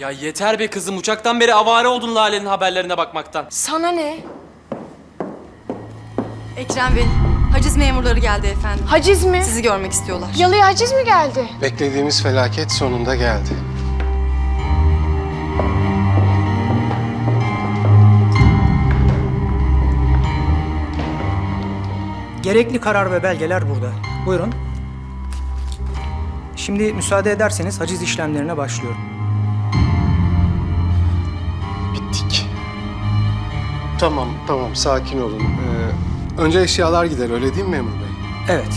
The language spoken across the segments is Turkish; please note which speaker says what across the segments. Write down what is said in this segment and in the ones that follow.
Speaker 1: Ya yeter be kızım. Uçaktan beri avare oldun Lale'nin haberlerine bakmaktan.
Speaker 2: Sana ne?
Speaker 3: Ekrem Bey, haciz memurları geldi efendim.
Speaker 2: Haciz mi?
Speaker 3: Sizi görmek istiyorlar.
Speaker 2: Yalıya haciz mi geldi?
Speaker 4: Beklediğimiz felaket sonunda geldi.
Speaker 5: Gerekli karar ve belgeler burada. Buyurun. Şimdi müsaade ederseniz haciz işlemlerine başlıyorum.
Speaker 4: Bittik. Tamam, sakin olun. Önce eşyalar gider, öyle değil mi memur bey?
Speaker 5: Evet.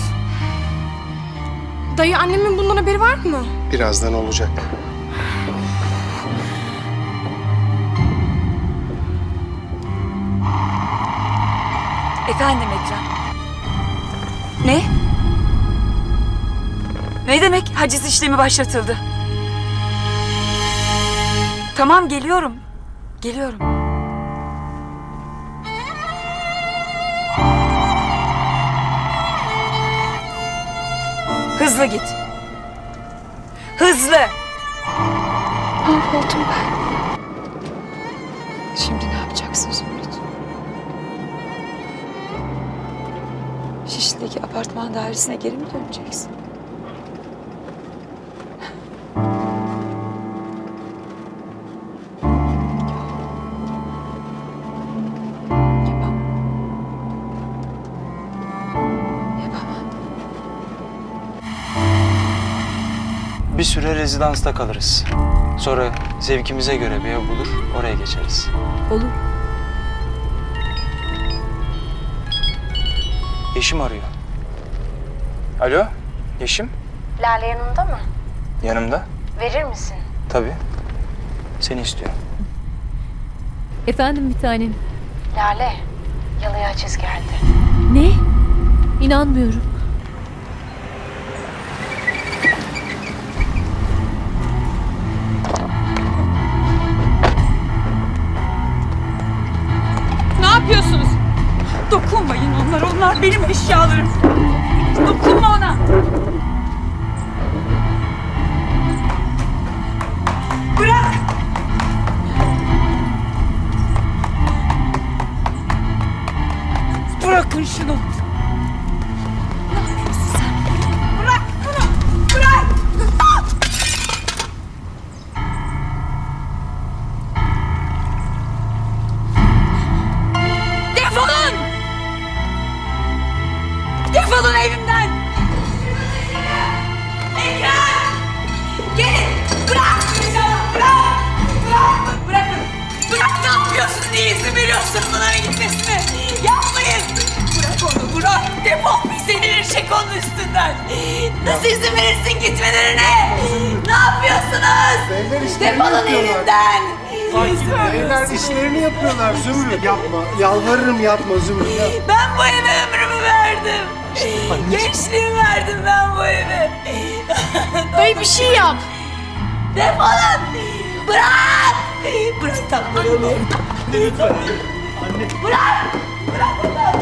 Speaker 2: Dayı annemin bundan haberi var mı?
Speaker 4: Birazdan olacak.
Speaker 6: Efendim Ekrem. Ne? Ne demek haciz işlemi başlatıldı? Tamam geliyorum. Geliyorum. Hızlı git. Hızlı.
Speaker 2: Mahvoldum ben. Şimdi ne yapacaksın Zümrüt?
Speaker 6: Şişli'deki apartman dairesine geri mi döneceksin? Yapamam. Yapamam.
Speaker 7: Bir süre rezidansta kalırız. Sonra zevkimize göre bir ev bulur, oraya geçeriz.
Speaker 6: Olur.
Speaker 7: Yeşim arıyor. Alo, Yeşim?
Speaker 8: Lale yanında mı?
Speaker 7: Yanımda.
Speaker 8: Verir misin?
Speaker 7: Tabii. Seni istiyor.
Speaker 9: Efendim bir tanem.
Speaker 8: Lale, yalıya haciz geldi.
Speaker 9: Ne? İnanmıyorum.
Speaker 6: Ne yapıyorsunuz? Dokunmayın onlara, onlar benim eşyalarım. Dokunma ona. Bırak! Bırakın şunu. Ne yapıyorsun sen? Bırak bunu! Bırak! Defolun! Defolun evimden! Ekrem! Gelin! Bırak! Bırak! Bırak! Bırakın! Bırak! Ne yapıyorsun? Niye izin veriyorsun bunların gitmesine? Yapmayın! Bırak onu! Bırak! Defol! Bir senilir çek onun üstünden! Nasıl izin verirsin gitmelerine? Ne yapıyorsunuz?
Speaker 4: Beyler işlerini
Speaker 6: Defolun
Speaker 4: yapıyorlar.
Speaker 6: evimden!
Speaker 4: Beyler işlerini yapıyorlar Zümrüt. Yapma, yalvarırım yapma Zümrüt.
Speaker 6: Ben bu eve ömrümü verdim. Gençliğimi verdim ben bu eve.
Speaker 2: Dayı bir şey yap.
Speaker 6: Defolun! Bırak! Bırak tatlımı.
Speaker 4: Lütfen. Anne.
Speaker 6: Bırak! Bırak onu!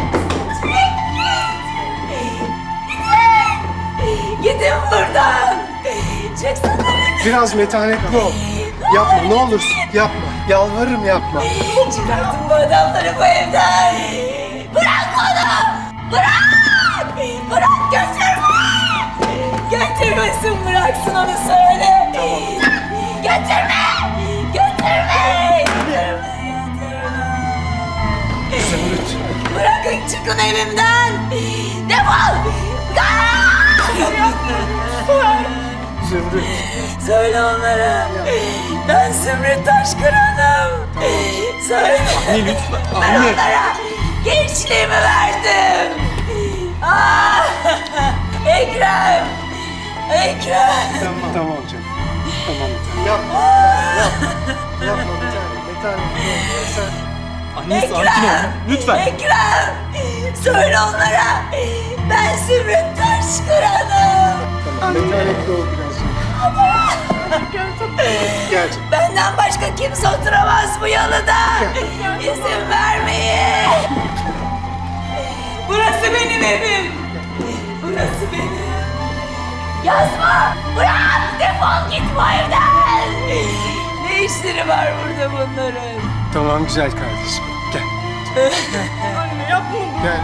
Speaker 6: Gidin buradan! Çıksana!
Speaker 4: Biraz metanetli ol. Yapma, ne olursun yapma. Yalvarırım yapma.
Speaker 6: Çıkartın bu adamları bu evden! Bırak onu! Bırak! Bırak götürme! Götürmesin bıraksın onu söyle! Götürme! Götürme!
Speaker 4: Zümrüt.
Speaker 6: Bırakın çıkın evimden! Defol!
Speaker 4: Zümrüt.
Speaker 6: Söyle onlara. Ben Zümrüt Taşkıran'ım. Söyle.
Speaker 4: Anne lütfen.
Speaker 6: Ben
Speaker 4: Anne.
Speaker 6: onlara gençliğimi verdim. Ah! Ekrem! Ekrem!
Speaker 4: Tamam canım. Tamam. Yapma. Yapma bir tane. Metanetli ol. Sen...
Speaker 1: Anne sakin ol. Lütfen.
Speaker 6: Ekrem! Söyle onlara. Ben Zümrüt Taşkıran'ım.
Speaker 4: Tamam. Metanetli ol birazcık. Gel canım.
Speaker 6: Benden başka kimse oturamaz bu yalıda. İzin vermeyin. Burası benim evim. Burası benim. Yazma. Bırak. Defol git bu evden. Ne işleri var burada bunların?
Speaker 4: Tamam güzel kardeşim. Gel.
Speaker 6: Anne yapma.
Speaker 4: Gel.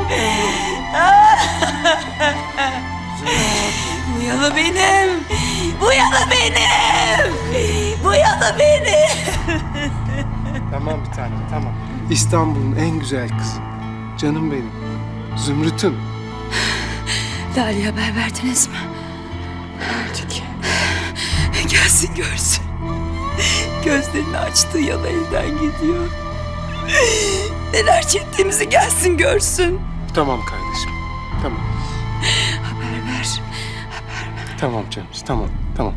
Speaker 6: Bu yalı benim. Bu yalı benim. Bu yalı benim.
Speaker 4: Tamam bir tanem tamam. İstanbul'un en güzel kızı. Canım benim. Zümrüt'üm.
Speaker 6: Lale'ye haber verdiniz mi?
Speaker 2: Verdik.
Speaker 6: Gelsin görsün. Gözlerini açtığı yalı elden gidiyor. Neler çektiğimizi gelsin görsün.
Speaker 4: Tamam kardeşim. Tamam.
Speaker 6: Haber ver.
Speaker 4: Tamam canım. Tamam. Tamam.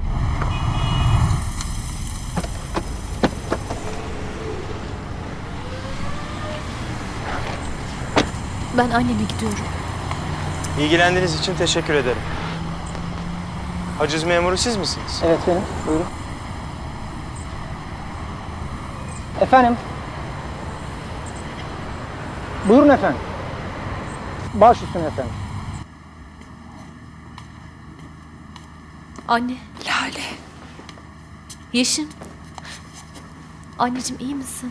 Speaker 9: Ben anneme gidiyorum.
Speaker 7: İlgilendiğiniz için teşekkür ederim. Haciz memuru siz misiniz?
Speaker 5: Evet benim. Buyurun. Efendim? Buyurun efendim. Baş üstüne efendim.
Speaker 9: Anne,
Speaker 6: Lale.
Speaker 9: Yeşim. Anneciğim iyi misin?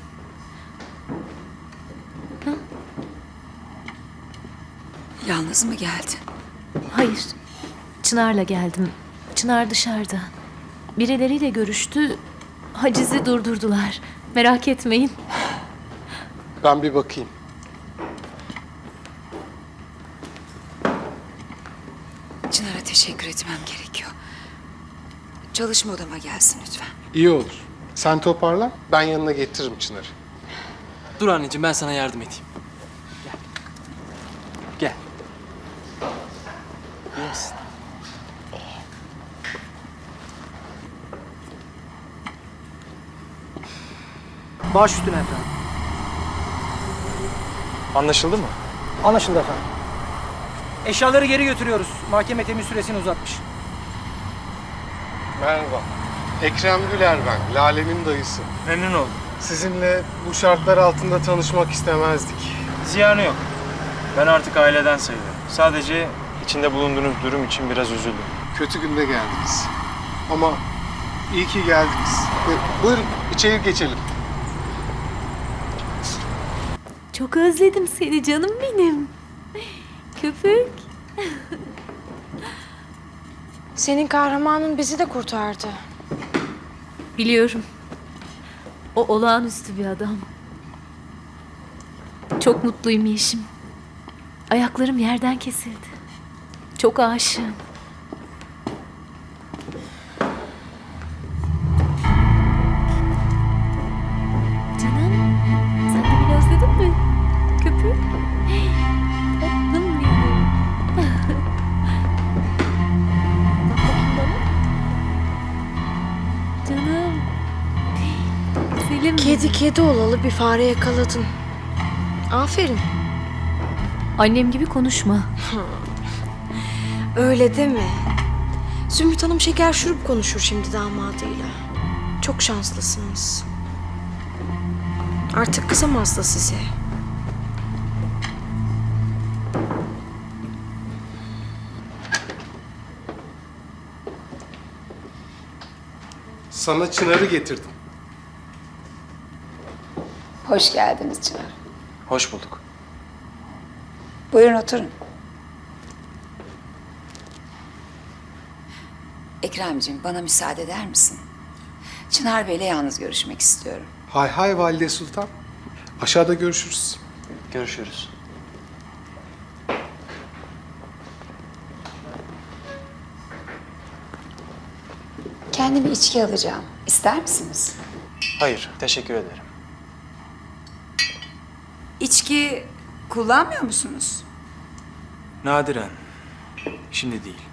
Speaker 6: Yalnız mı geldin?
Speaker 9: Hayır. Çınar'la geldim. Çınar dışarıda. Birileriyle görüştü. Hacizi durdurdular. Merak etmeyin.
Speaker 4: Ben bir bakayım.
Speaker 6: Çınar'a teşekkür etmem gerekiyor. Çalışma odama gelsin lütfen.
Speaker 4: İyi olur. Sen toparla. Ben yanına getiririm Çınar'ı.
Speaker 1: Dur anneciğim ben sana yardım edeyim. Gel. Gel. İyi misin?
Speaker 5: Baş üstüne efendim.
Speaker 7: Anlaşıldı mı?
Speaker 5: Anlaşıldı efendim. Eşyaları geri götürüyoruz. Mahkeme temiz süresini uzatmış.
Speaker 4: Merhaba. Ekrem Güler ben. Lale'nin dayısı.
Speaker 7: Memnun oldum.
Speaker 4: Sizinle bu şartlar altında tanışmak istemezdik.
Speaker 7: Ziyanı yok. Ben artık aileden sayılıyorum. Sadece içinde bulunduğunuz durum için biraz üzüldüm.
Speaker 4: Kötü günde geldiniz. Ama iyi ki geldiniz. Buyurun içeri geçelim.
Speaker 9: Çok özledim seni canım benim. Köpük.
Speaker 2: Senin kahramanın bizi de kurtardı.
Speaker 9: Biliyorum. O olağanüstü bir adam. Çok mutluyum Yeşim. Ayaklarım yerden kesildi. Çok aşığım. Canım, sen de beni özledin mi? Köpük. Tatlım benim. Bak bakayım bana. Canım. Güzelim benim.
Speaker 2: Kedi olalı bir fare yakaladın. Aferin.
Speaker 9: Annem gibi konuşma.
Speaker 2: Öyle deme. Zümrüt Hanım şeker şurup konuşur şimdi damadıyla. Çok şanslısınız. Artık kızamaz da size.
Speaker 4: Sana Çınar'ı getirdim.
Speaker 10: Hoş geldiniz Çınar.
Speaker 7: Hoş bulduk.
Speaker 10: Buyurun oturun. Ekremciğim bana müsaade eder misin? Çınar Bey'le yalnız görüşmek istiyorum.
Speaker 4: Hay hay Valide Sultan. Aşağıda görüşürüz.
Speaker 7: Görüşürüz.
Speaker 10: Kendime içki alacağım. İster misiniz?
Speaker 7: Hayır, teşekkür ederim.
Speaker 10: İçki kullanmıyor musunuz?
Speaker 7: Nadiren. Şimdi değil.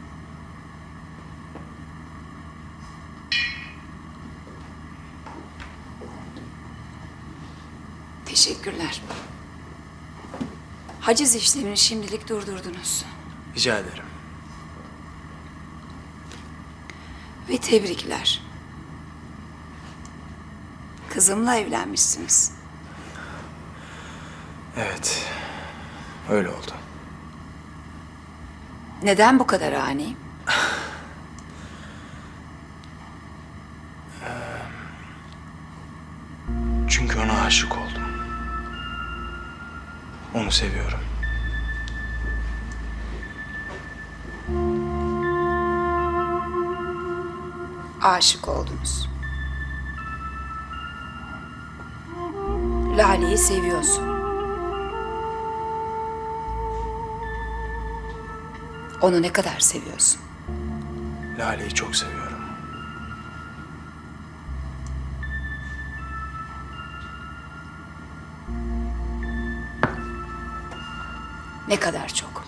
Speaker 10: Teşekkürler. Haciz işlemini şimdilik durdurdunuz.
Speaker 7: Rica ederim.
Speaker 10: Ve tebrikler. Kızımla evlenmişsiniz.
Speaker 7: Evet. Öyle oldu.
Speaker 10: Neden bu kadar ani?
Speaker 7: aşık oldum. Onu seviyorum.
Speaker 10: Aşık oldunuz. Lale'yi seviyorsun. Onu ne kadar seviyorsun?
Speaker 7: Lale'yi çok seviyorum.
Speaker 10: Ne kadar çok?